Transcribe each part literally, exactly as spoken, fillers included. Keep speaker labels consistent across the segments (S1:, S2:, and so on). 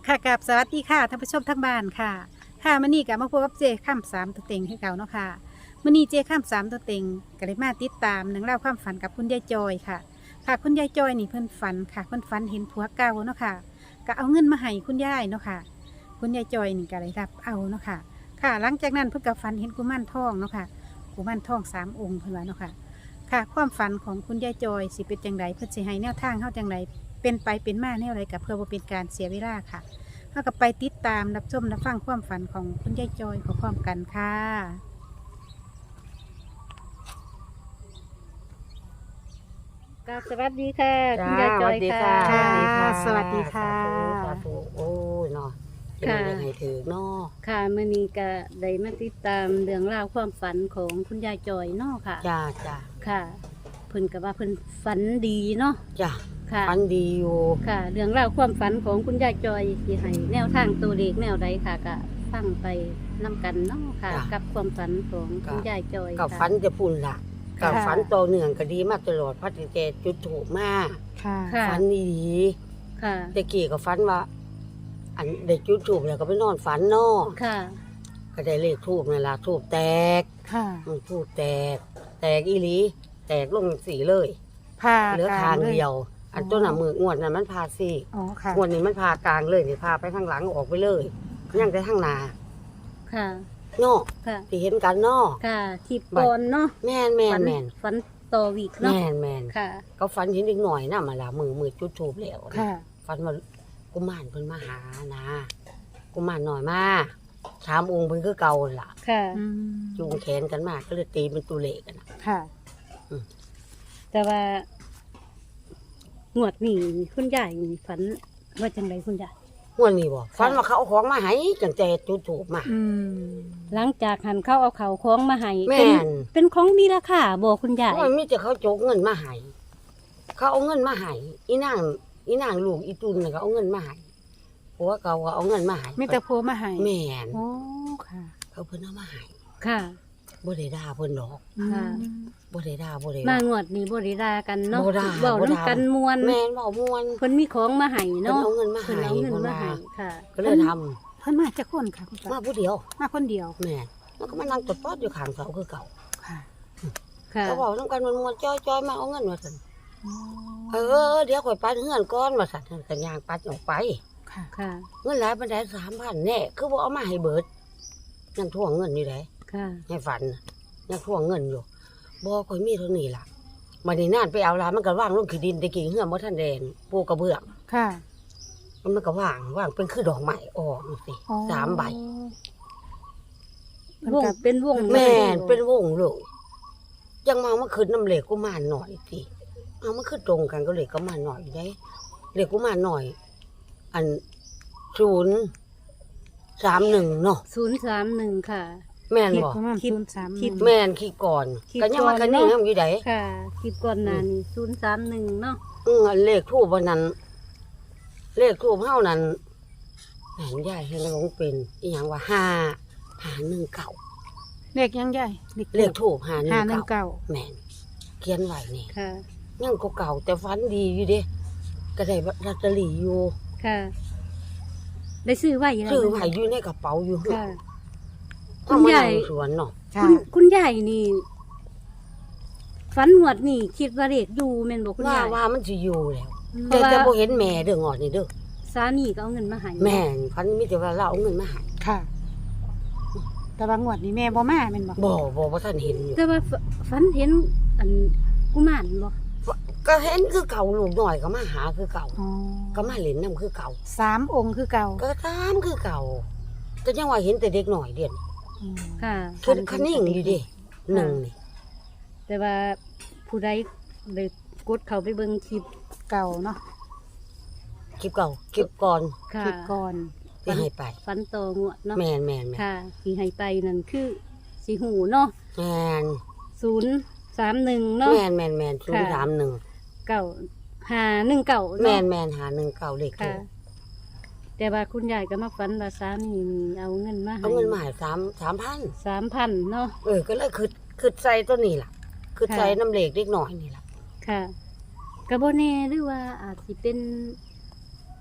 S1: ค่ะกับสวัสดีค่ะท่านผู้ชมทั้งบ้านค่ะค่ะมื้อนี้ก็มาพบกับเจข้ามสามตัวเต็งให้เก่าเนาะค่ะมื้อนี้เจข้ามสามตัวเต็งก็เลยมาติดตามหนังเล่องราวความฝันกับคุณยายจอยค่ะ ค่ะคุณยายจอยนี่เพิ่นฝันค่ะเพิ่นฝันเห็นผัวเก่าเนาะค่ะก็เอาเงินมาให้คุณยายเนาะค่ะ คุณยายจอยนี่ก็เลยรับเอาเนาะค่ะ ค่ะหลังจากนั้นเพิ่นก็ฝันเห็นกุมารทองเนาะค่ะกุมารทองสามองค์เพิ่นว่าเนาะค่ะ ค่ะความฝันของคุณยายจอยสิเป็นจังไดเพื่อสิให้แนวทางเฮาจังไดเป็นไปเป็นมาแนวไรกับเพื่อบ่เป็นการเสียเวลาค่ะเฮาก็ไปติดตามรับชมรับฟังความฝันของคุณยายจอยพร้อมๆกันค่ะก็สวัสดีค่ะคุณยายจอยค่ะ
S2: สวัสดีค่ะ
S1: สวัสดีค่ะ
S2: สาธุโอ้ยเนาะจะ
S3: ค่ะ
S2: ได้ให้ถือเนาะ
S3: ค่ะมื้อนี้ก็ได้มาติดตามเรื่องราวความฝันของคุณยายจอยเนาะค่ะ
S2: จ้าจ้า
S3: ค่ะเพิ่นก็ว่าเพิ่นฝันดีเนาะ
S2: จ้า
S3: ค่ะ
S2: ฟันดีอยู่
S3: ค่ะ เรื่องราวความฝันของคุณยายจอยสิให้แนวทางตัวเลขแนวใดค่ะก็ฟังไปนํกันเนาะค่ะ กับความฝันของคุณยายจอย
S2: กับ
S3: ค่ะ
S2: ฟันจะพุ่นล่ะ
S1: ค่ะ
S2: กับฟันต่อเนื่องก็ดีมาตลอดพัดแกจุดถูกมาก
S1: ค่ะ
S3: ค่ะ
S2: ฟันดี
S3: ค่ะ
S2: แต่กี้ก็ฟันว่า อันได้จุดถูกแล้วก็ไปนอนฝันเนาะ
S3: ค่ะ
S2: ก็ได้เลขทูบนั่นล่ะทูบแตก
S1: ค่ะ
S2: มันทูบแตก แตกอีหลีแตกลงสีเลย
S1: ผ่า
S2: เหลือทางเดียว อันต้นน่ะมืองวดนั้นมันพาซี่
S1: อ๋อค่ะ
S2: งวดนี้มันพากลางเลยนี่พาไปข้างหลังออกไปเลยยังแต่ข้างหน้า
S3: ค่ะ
S2: เนาะ
S3: ค่ะ
S2: ที่เห็นกันเนาะ
S3: ค่ะทิพก่อนเนาะ
S2: แม่นแม่
S3: ฝั
S2: นแม่น
S3: ฝันต่อวีกเนาะ
S2: แม่นแม่น
S3: ค่ะ
S2: ก็ฝันเห็นอีกหน่อยน่ะมาละมือมือจุดทูบแล้ว
S1: ค่ะ
S2: ฝันว่ากุมารเพิ่นมาหานะกุมารหน่อยมาถามองค์เพิ่นคือเก่าล่ะ
S3: ค่ะ
S1: อืม
S2: จูงแขนกันมาก็เลยตีเป็นตัวเลขกันน่ะ
S1: ค่ะ
S3: แต่ว่า งวดนี้คุณยายนี่ฝันว่าจังไดคุณยาย
S2: งวดนี้บ่ฝันว่าเขาเอาของมาให้จังแต่จุดทูบมา
S1: อืม
S3: หลังจากหันเข้าเอาเขาคล้องมาให้
S2: แม่
S3: เป็น
S2: น
S3: เป็นของมีราคาบอกคุณยาย
S2: โอ้ยมีแต่เขาโจกเงินมาให้เขาเอาเงินมาให้อีนางอีนางลูกอีตุนน่ะก็เอาเงินมาให้ผัวเก่าก็เอาเงินมาให้
S1: มีแต่ผัวมาให้
S2: แม่น
S1: โอ้ค่ะ
S2: เขาเพิ่นเอามาให้
S3: ค่ะ
S2: บ่ได้ด่าเพิ่นดอก
S3: ค่ะ
S1: อืม
S2: บ่ได้ด่าบ่ได้
S3: มา
S2: ว่าง
S3: วดนี้บริดากันเนาะ
S2: บ่ด่า
S3: เว้า
S2: บ่ด่า
S3: น้ำกันมวน
S2: แม่นเว้าม่วน
S3: เพิ่นมีของมาให้
S2: เพิ่น
S3: เนาะ
S2: เอาเงินมา
S3: เพิ่น
S2: ให้
S3: เอาเงิน
S2: เพิ่น
S3: มา
S2: ว่า
S3: ให้ค่ะ
S2: ก็เลยทำ
S1: เพิ่นมาจากคนค่ะคุณ
S2: มา
S1: ป้า
S2: ผู้เดียว
S1: มาคนเดียว
S2: แม่นมันก็มานั่งตดปอดอยู่ข้างเสาคือเก่า
S1: ค่ะ
S3: ค่ะ
S2: เขาบอกนำกันมันม่วนจ้อยๆมาเอาเงินว่าซั่น
S1: อ๋อ
S2: เออเดี๋ยวข่อยปัดเฮือนก่อนว่าซั่นก็ย่างปัดออกไป
S1: ค่ะ
S3: ค่ะ
S2: เงินหลายปานใด สามพัน แน่คือบ่เอามาให้เบิดยังทวงเงินอยู่ได
S3: ค่ะ
S2: ให้ฝันน่ะยังทวงเงินอยู่บ่ข่อยมีเท่านี้ล่ะบัดนี้นานไปเอาลามันก็วางลงขี้ดินตะกี้เฮือนบ่ทันแดงปูกระเบื้อง
S1: ค่ะ
S2: มันก็วางวางเป็นคือดอกไม้ออกจังซี่
S1: อ๋อ
S2: สามใบ
S1: เพิ่น
S3: วง
S1: ก็
S3: เป็นวง
S2: แม่นเป็นวงเลยยังมาเมื่อคืนน้ำเหล็กกุมารหน่อยสิเอามาคือตรงกันก็เหล็กกุมารหน่อยได้เหล็กกุมารหน่อย อันศูนย์สามหนึ่งเนาะ
S3: ศูนย์สามหนึ่งค่ะ
S2: แม่น
S1: เด็ก
S2: บอก
S1: ประมาณ
S3: คิด
S1: ศูนย์สาม
S3: คิด
S2: แม่นขี้ก่อน
S3: คิด
S2: ก็ยังมา
S3: ก่
S2: กั
S3: อน น
S2: นี่
S3: เนาะ
S2: ยังอยู่ไหน
S3: ค่ะคลิปก่อนหน้านี้ศูนย์สามหนึ่งเนาะ
S2: อืออันเลขทูบวันนั้น เลขทูบเฮานั้นแม่นใหญ่ให้ลงเป็นอีหยังว่าห้าห้าหนึ่งเก่า
S1: เด็กยังใหญ่
S2: เลขทูบห้าหนึ่
S1: ห้าง หนึ่ง
S2: เก่า
S1: เก้า
S2: แม่นเขียนไว้นี่
S3: ค่ะ
S2: ยังก็เก่าแต่ฟันดีอยู่เด้ก็ได้ลอตเตอรี่อยู่
S3: ค่ะ ได้ซื้อไว้แล้ว
S2: ซื้อไว้อยู่ในกระเป๋าอยู่
S3: ค่ะ
S2: เอามานั่งสวนเนาะ
S1: ค่ะ
S3: คุณคุณยายนี่ฝันหวดนี่ คิดว่าเด็กอยู่แม่นบอกคุณาย
S2: ว่ายว่ามันสิอยู่แล้ว
S3: เพ
S2: แต่
S3: ราะว่า
S2: แต่บ่เห็นแม่เด้องอดนี่เด้อ
S3: สามีก็เอาเงินมาให้
S2: แม่นพันมีแต่ว่าเราเอาเงินมาให้
S1: ค่ะ แต่บางงวดนี่แม่บ่มาแม่นบ่
S2: บ่บ่บ่ทันเห็นอยู่
S3: แต่ว่าฝฝันเห็นอันกุมารบ่
S2: ก็เห็นคือเก่าลูกน้อยก็มาหาคือเก่า
S1: อ๋อ
S2: ก็มาเล่นนํคือเก่า
S1: สามองค์คือเก่า
S2: ก็ตามคือเก่าก็ยังว่าเห็นแต่เด็กน้อยเด่น
S1: อืม
S3: ค่ะ
S2: คือคันนิ่งอยู่เดิหนึ่งนี่
S3: แต่ว่าผู้ใดเลยกดเข้าไปเบิ่งคลิป
S1: เก่าเนาะ
S2: คลิปเก่าคลิปก่อน
S3: ค่ะ
S1: คลิปก่อน
S2: ที่ให้ไป
S3: ฝันโตงวดเนาะ
S2: แม่นแม่นแม่น
S3: ค่ะที่ให้ไปนั่นคือสีหูเนาะ
S2: แม่น
S3: ศูนย์สามหนึ่งเนาะ
S2: แม่นแม่นแม่นศูนย์สามหนึ่ง
S3: เก่าหาหนึ่งเก่า
S2: แม่
S3: เนาะ
S2: นแม่นหาหนึ่งเก่าเลขถู
S3: ค่ะ
S2: ก
S3: แต่ว่าคุณยายก็มาฝันว่าสามีนี่เอาเงินมาให้
S2: เอาเงินมาให้สามสามพัน
S3: สามพันเนาะ
S2: เออก็เลยคือคือใส่ตัวนี้ล่ะ คือ
S3: ค่ะ
S2: ใส่น้ำเหล็กเล็กน้อยนี่ล่ะ
S3: ค่ะกระโบเน่หรือว่าอาจสิเป็น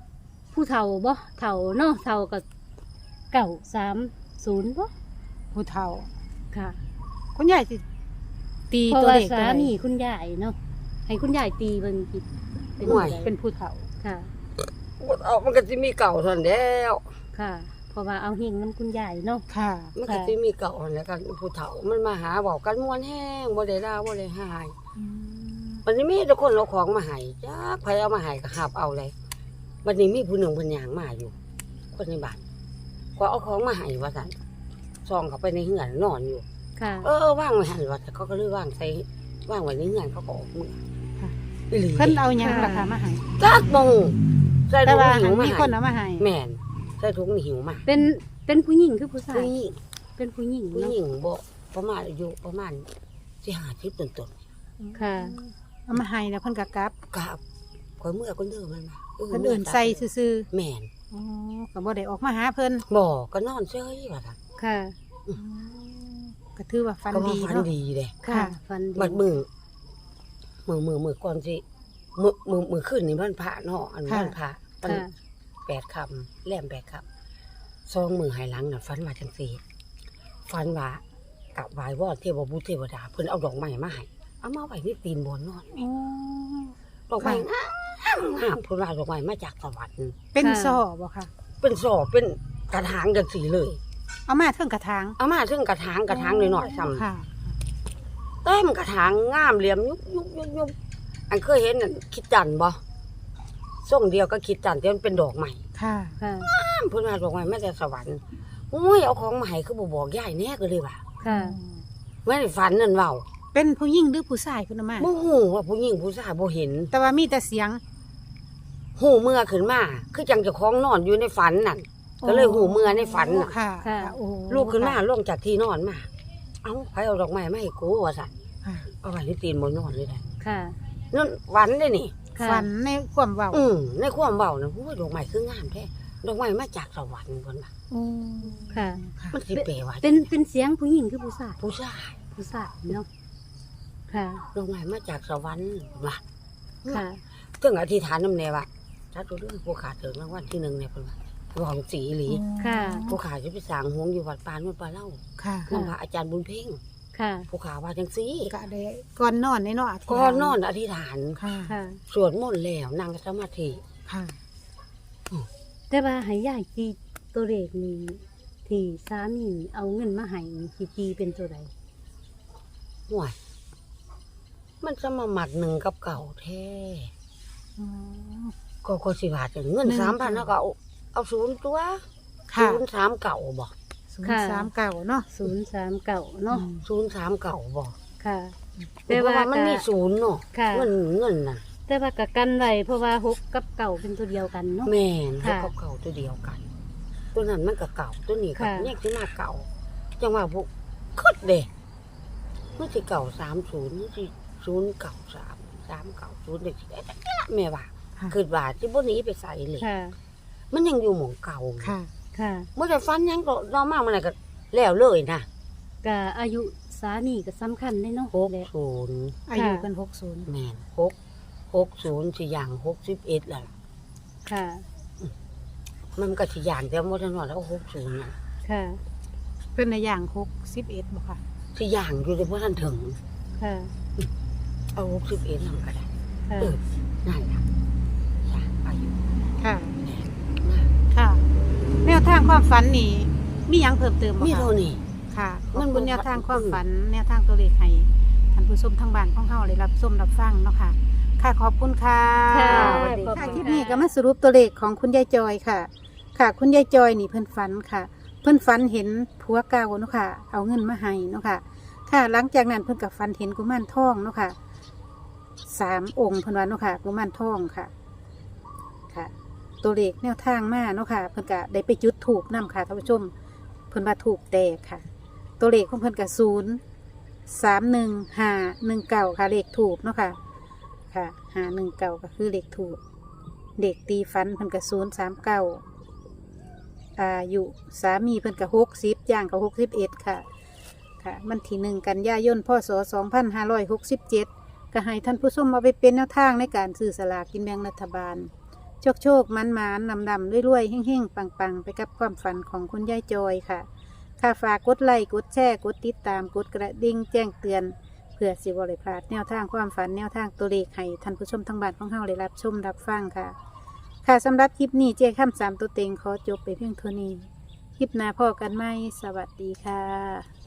S3: ผู้เฒ่าบ่เฒ่าเนาะเฒ่ากับเก่าสามศูนย์บ่
S1: ผู้เฒ่า
S3: ค่ะ
S1: คุณยายสิตี
S3: เพราะ
S1: ตัว
S3: ว่า
S1: เลข
S3: สา
S1: ตัวใด
S3: มีคุณยายเนาะให้คุณยายตีเบิ่งผิดเป็น
S2: ห่วย
S3: จั่งใด
S1: เป็นผู้เฒ่า
S3: ค่ะ
S2: เอามันก็สิมีเก่าเท่านั้นแล้ว
S3: ค่ะ เพราะว่าเอาเฮงน้ำคุณยายเนาะ
S1: ค่ะ
S2: มันก็สิมีเก่าแล้วกันผู้เฒ่ามันมาหาบอกกันม่วนแห้งบ่ได้ด่าบ่ได้หายวันนี้มีแต่คนเอาของมาให้จักไผเอามาให้ก็หาบเอาเลยวันนี้มีผู้หนึ่งเพิ่นย่างมาอยู่ คนในบ้านก็เอาของมาให้ว่าซั่นซองเข้าไปในเฮือนนอนอยู่
S3: ค่ะ
S2: เออว่างไว้หั่นว่าแต่เขาก็เลยว่างใส่ว่างไว้ในเฮือนเขาก็ออกมือ
S1: ค่ะ
S2: อีหลี
S1: เพิ่นเอาหยังราคามาให้
S2: จักบ่ฮู้ใส่
S1: แต่
S2: ถุง
S1: ว่า
S2: หิ
S1: หั
S2: วน มา
S1: มี
S2: ให้
S1: คนเอามาให้
S2: แม่นใส่ถุงหิวมา
S3: เป็นเป็นผู้หญิงคือผู้ชาย
S2: ผู้หญิง
S3: เป็นผู้หญิง
S2: ผู้
S3: เนาะ
S2: หญิงบ่ประมาณอายุประมาณสิห้าสิบต้น
S3: ค่ะ
S1: เอามาให้แล้วเพิ่นก็กลับ
S2: ๆกับข่อยเมื่อคนเดิมมันมา
S1: เพิ่นเอื่นใส่ซื่อ
S2: แม่น
S1: ๆอ๋อก็บ่ได้ออกมาหาเพิ่น
S2: บ่ก็นอนเฉยว่าซั่น
S3: ค่ะ
S1: ก็ถือว่าฟัน
S2: ก็ว่า
S1: ดี
S2: ฝัน
S1: เนาะ
S2: ดีเด้
S3: ค่ะฟันดี
S2: บัดมือมือมือมือก่อนสิมือมือมือขึ้นนี่มันพระเนาะอันมันพระมัน
S3: ค่ะ
S2: แปดคำแหลมแปดคำซองมือหายหลังน่ะฝันว่าจังซี่ฝันว่ากับไหว้วอนเทวบุตรเทวดาเพิ่นเอาดอกไม้มาให้เอามาไว้ในตีนบนนอน
S1: อ๋อ
S2: ดอกไม้งามงามเพิ่นว่าดอกไม้มาจากสวรรค์
S1: เป็น
S3: ค่ะ
S1: ซอบ่ค่ะ
S2: เป็นสอบเป็นกระถางจังสีเลย
S1: เอามาเทิงกระถาง
S2: เอามาถึงกระถางกระถางหน่อยๆซ้ำ
S1: ค่ะ
S2: เต็มกระถางงามเหลี่ยมยุบยุบยุบยุบอันเคยเห็นนั่นคิดจันทร์บ่ส่งเดียวก็คิดจันทร์ที่มันเป็นดอกใหม่
S1: ค่ะ
S3: ค่ะ
S2: เพิ่นว่าดอกไม้มาจากสวรรค์โอ้ยเอาของมาให้คือบ่บอกยายแน่ก็เลยว่า
S3: ค่ะ
S2: ไม่ได้ฝันนั่นเว้า
S1: เป็นผู้หญิงหรือผู้ชายเพิ่นเอามา
S2: บ่ฮู้ว่าผู้หญิงผู้ชายบ่เห็น
S1: แต่ว่ามีแต่เสียง
S2: ฮู้เมื่อขึ้นมาคือจังเจ้าของนอนอยู่ในฝันนั่นก็เลยฮู้เมื่อในฝันน่ะ
S1: ค่ะ
S3: ค่ะ
S1: โอ้
S2: ลูกขึ้นมาลงจากที่นอนมาเอ้าใครเอาดอกไม้มาให้กูว่าซั่น
S1: ค่ะ
S2: เอาไว้ในตีนบนนอนเลยได้
S3: ค่ะ
S2: นั่นฝันได้นี่
S3: ค่ะ
S1: ฝันในความเว้า
S2: อืมในความเบานะโอ้ยดอกไม้คืองามแท้ดอกไม้มาจากสวรรค์คนน่ะ
S1: โอ้
S3: ค่ะ
S1: ค่ะ
S2: มันสิเปลว่า
S3: เป็นเป็นเสียงผู้หญิงคือผู้ชาย
S2: ผู้ชาย
S3: ผู้ชายเนาะ ค่ะ
S2: ดอกไม้มาจากสวรรค์ว่ะ
S3: ค่ะ
S2: ถึงอธิษฐานน้ำแน่ว่าถ้าตัวเรื่องผู้ขาถึงรางวัลที่หนึ่งเนี่ยเพิ่นว่าหวังสีอีหลี
S3: ค่ะ
S2: ผู้ขาจะไปสร้างหงส์อยู่วัดปานวัดปลาเล่า
S1: ค่ะ
S2: นำพระอาจารย์บุญเพ่ง
S3: ค่ะ
S2: ผู้ขาว่าจังซี่
S1: ก็ได้ก่อนนอนในเนาะธิษฐา
S2: ก่อนนอนอธิษฐาน
S1: ค่ะ
S3: ค่ะ
S2: สวดมนต์แล้วนั่งสมาธิ
S1: ค่ะ
S3: แต่ว่าให้ยายตีตัวเลขนี้ที่สามีเอาเงินมาให้นี่สิตีเป็นตัวใด
S2: ห่วยมันจะมาหมัดหนึ่งกับเก่าแท้
S1: อ๋อ
S2: ก็ก็สิบาทเงิน
S1: หนึ่ง
S2: สามพันแล้วก็เอาเอาศูนย์ตัว
S1: ค่ะ
S2: ศูนย์สามเก่าบ่
S1: ศูนย์สามเก้าเนาะ
S3: ศูนย์สามเก่าเนาะ
S2: ศูนย์สามเก่าบ่
S3: ค่ะ
S2: แต่ว่ามันมีศูนย์เนาะ
S3: ค่ะ
S2: เงินเงินน่ะ
S3: แต่ว่ากับกันไว้เพราะว่าหกกับเก่าเป็นตัวเดียวกันเนาะ
S2: แม่น
S3: ค่ะ
S2: เขาเก่าตัวเดียวกัน ตัวนั้นมันก็เก่าตัวนี้ก็
S3: ค่ะ
S2: แยกที่มาเก่าจังว่าพวกคึดเด้มันสิเก่าสามศูนย์มันสิศูนย์เก่าสามสามเก่าศูนย์เด็กสิได้แม่ว่า
S1: ค่ะ
S2: คือว่าที่บ่หนีไปใส่เลย
S3: ค่ะ
S2: มันยังอยู่หม่องเก่า
S1: ค่ะ
S3: ค่ะ
S2: เมื่อได้ฟันหยังก็รอมากมันน่ะก็แล้วเลยนะ
S3: ก็อายุสามีก็สำคัญได้เนาะ
S2: หก
S3: และ
S2: ศูนย์
S1: อายุเป็นหกศูนย์
S2: แม่นหกหกศูนย์สิอย่างหกสิบเอ็ดแล้วล่ะ
S3: ค่ะ
S2: มันก็สิอย่างแต่บ่ทันว่าแล้วหกศูนย์น่ะ
S3: ค่ะ
S1: เพิ่นในอย่างหกสิบเอ็ดบ่ค่ะ
S2: สิอย่างอยู่แต่บ่ทันถึง
S3: ค่ะ
S2: เอาหกสิบเอ็ดนำก็ได้
S3: ค่ะ
S2: เออนั่นล่ะย่างไปอยู่
S1: ค่ะ
S2: แม่นนะ
S1: ค่ะ แนวทางความฝันนี่มีหยังเพิ่มเติมบ่
S2: มี
S1: คะ
S2: เท่านี้
S1: ค่ะข
S2: มั
S1: อบ
S2: น
S1: คุณ
S2: บ่
S1: แนวทาง
S2: อืม
S1: ความฝัน แนวทางตัวเลขให้ท่านผู้ชมทางบ้านของเฮาได้รับชมรับฟังเนาะค่ะ ค่ะขอบคุณค่ะ
S3: ค่ะ
S1: สวัสดี
S3: ขอบ
S1: ค่ะ
S3: คุณ
S1: คลิป
S3: ค่ะ
S1: นี้ก็มาสรุปตัวเลขของคุณยายจอยค่ะ ค่ะ คุณยายจอยนี่เพิ่นฝันค่ะ เพิ่นฝันเห็นผัวเก่าเนาะค่ะ เอาเงินมาให้เนาะค่ะ ค่ะ หลังจากนั้นเพิ่นก็ฝันเห็นกุมารทองเนาะค่ะสามองค์เพิ่นว่าเนาะค่ะกุมารทองค่ะ ค่ะ ตัวเลขแนวทางมาเนาะค่ะ เพิ่นก็ได้ไปจุดถูกนํค่ะท่านผู้ชม เพิ่นว่าถูกแตกค่ะ ตัวเลขของเพิ่นก็ศูนย์สามหนึ่งห้าหนึ่งเก้าค่ะเลขถูกเนาะค่ะ ค่ะห้าหนึ่งเก้าก็คือเลขถูกเด็กตีฟันเพิ่นก็ศูนย์สามเก้าอายุสามีเพิ่นก็หกสิบย่างก็หกสิบเอ็ดค่ะ ค่ะ มันที่หนึ่งกันยายนพศสองพันห้าร้อยหกสิบเจ็ดก็ให้ท่านผู้ชมมาไปเป็นแนวทางในการซื้อสลากกินแบ่งรัฐบาลโชคโชคมันมันนำดำรวยๆเฮ่งๆปังๆ ไปกับความฝันของคุณยายจอยค่ะค่ะฝากกดไลค์กดแชร์กดติดตามกดกระดิ่งแจ้งเตือนเพื่อสิบริพลาดแนวทางความฝันแนวทางตัวเลขให้ท่านผู้ชมทั้งบ้านของเฮาได้รับชมรับฟังค่ะ ค่ะสำหรับคลิปนี้เจ๊ข้ามสามตัวเต็งขอจบไปเพียงเท่านี้คลิปหน้าพ่อกันไหมสวัสดีค่ะ